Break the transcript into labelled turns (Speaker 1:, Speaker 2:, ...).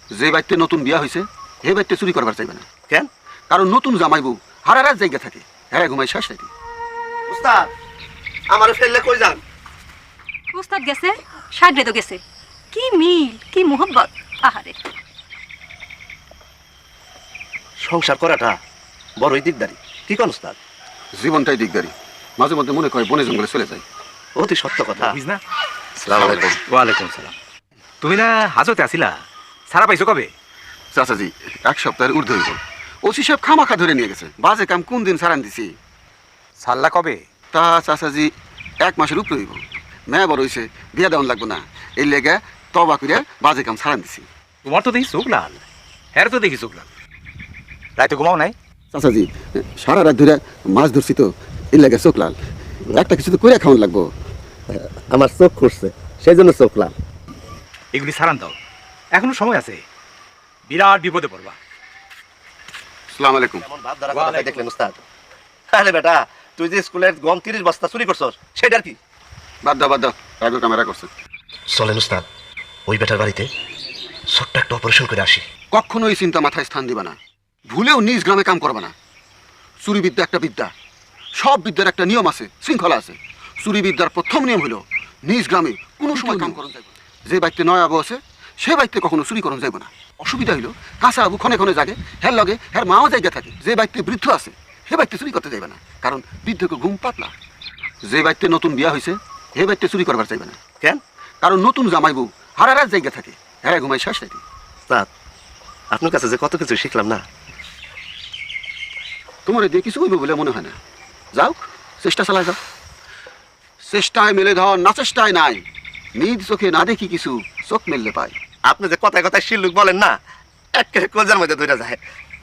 Speaker 1: যে বাড়িতে নতুন বিয়া হয়েছে হে বাড়িতে চুরি করবার চাইবে না।
Speaker 2: কেন?
Speaker 1: কারণ নতুন জামাই বউ হারা রাত জায়গা থাকে, হ্যাঁ ঘুমাই শেষ রাতে।
Speaker 2: উস্তাদ আমার ফেললে কই যান?
Speaker 3: উস্তাদ গেছে, সাগরে তো গেছে। কি মিল, কি মোহব্বত! আহারে,
Speaker 2: সংসার করাটা বড়ই দিকদারি। কি কোন উস্তাদ?
Speaker 1: জীবনটাই দিকদারি, মাঝে মধ্যে মনে করে বনে জঙ্গলে চলে যায়।
Speaker 2: অতি সত্য কথা।
Speaker 4: বুঝ না?
Speaker 2: আসসালামু আলাইকুম।
Speaker 4: ওয়ালাইকুম সালাম। তুমি না হাজতে আসিলা, সারা পাইছো কবে?
Speaker 1: চাচাজি 1 সপ্তাহের ঊর্ধ্ব হইব। ওসি সাহেব খামাখা ধরে নিয়ে গেছে, বাজে কাম কোন দিন সারান দিছি।
Speaker 4: সাল্লা কবে?
Speaker 1: তা চাচাজি 1 মাসের উপরে হইব। মেয়া বড় হইছে, বিয়া দেওয়ান লাগবো না, এই লেগে তবা করে বাজে কাম সারান দিছি।
Speaker 4: তোমার তো দেখি চোখ লাল, হ্যাঁ তো দেখি চোখ লাল। রাইতে ঘুমাও নাই?
Speaker 1: চাচাজি সারা রাত ধরে মাছ ধরছি তো, এই লেগে চোখ লাল। একটা কিছু তো করে খাওয়ান লাগবো।
Speaker 2: আমার চোখ খুঁজছে, সেই জন্য চোখ লাল।
Speaker 4: এগুলি সারান দাও, এখনো সময় আছে। বিরাট বিপদে পড়বা।
Speaker 1: আসসালামু আলাইকুম।
Speaker 2: এমন ভাব ধরা কথা দেখলেন উস্তাদ? আরে বেটা, তুই যে স্কুলের গম 30 বস্তা চুরি করছস, সেটার কি?
Speaker 1: বাদ দাও, রাগো ক্যামেরা করছে।
Speaker 2: চলেন উস্তাদ, ওই বেটার বাড়িতে ছোট্ট একটা অপারেশন করে আসি।
Speaker 1: কখনো এই চিন্তা মাথায় স্থান দিবা না, ভুলেও নিজ গ্রামে কাম করবা না। চুরি বিদ্যা একটা বিদ্যা, সব বিদ্যার একটা নিয়ম আছে, শৃঙ্খলা আছে। চুরি বিদ্যার প্রথম নিয়ম হলো নিজ গ্রামে কোনো সময় কাম করন যাইব না। যে বাড়িতে নয় আবু আছে সে বাড়িতে কখনো চুরি করন যাইব না। অসুবিধা হইলো কাঁচা আবু ক্ষণে ক্ষণে জাগে, হ্যার লগে হ্যার মাও জায়গা থাকে। যে বাড়িতে বৃদ্ধ আছে সে বাড়িতে চুরি করতে যাইবে না, কারণ বৃদ্ধকে ঘুম পাতলা। যে বাড়িতে নতুন বিয়া হয়েছে হে বাড়িতে চুরি করবার চাইবে না।
Speaker 2: কেন?
Speaker 1: কারণ নতুন জামাই বউ হারা রাত জায়গা থাকে, হ্যাঁ ঘুমাই শেষ রাতে।
Speaker 2: উস্তাদ, আপনার কাছে যে কত কিছু শিখলাম না।
Speaker 1: তোমার দিয়ে কিছু হইব বলে মনে হয় না। যাও, চেষ্টা চালায় যাও। চেষ্টায় মেলে ধর, না চেষ্টায় নাই। নিজ চোখে না দেখি কিছু, চোখ মেললে পাই।
Speaker 2: আপনি যে কথায় কথায় শিল্লুক বলেন না, একেবারে কলজার মধ্যে ধরে যায়।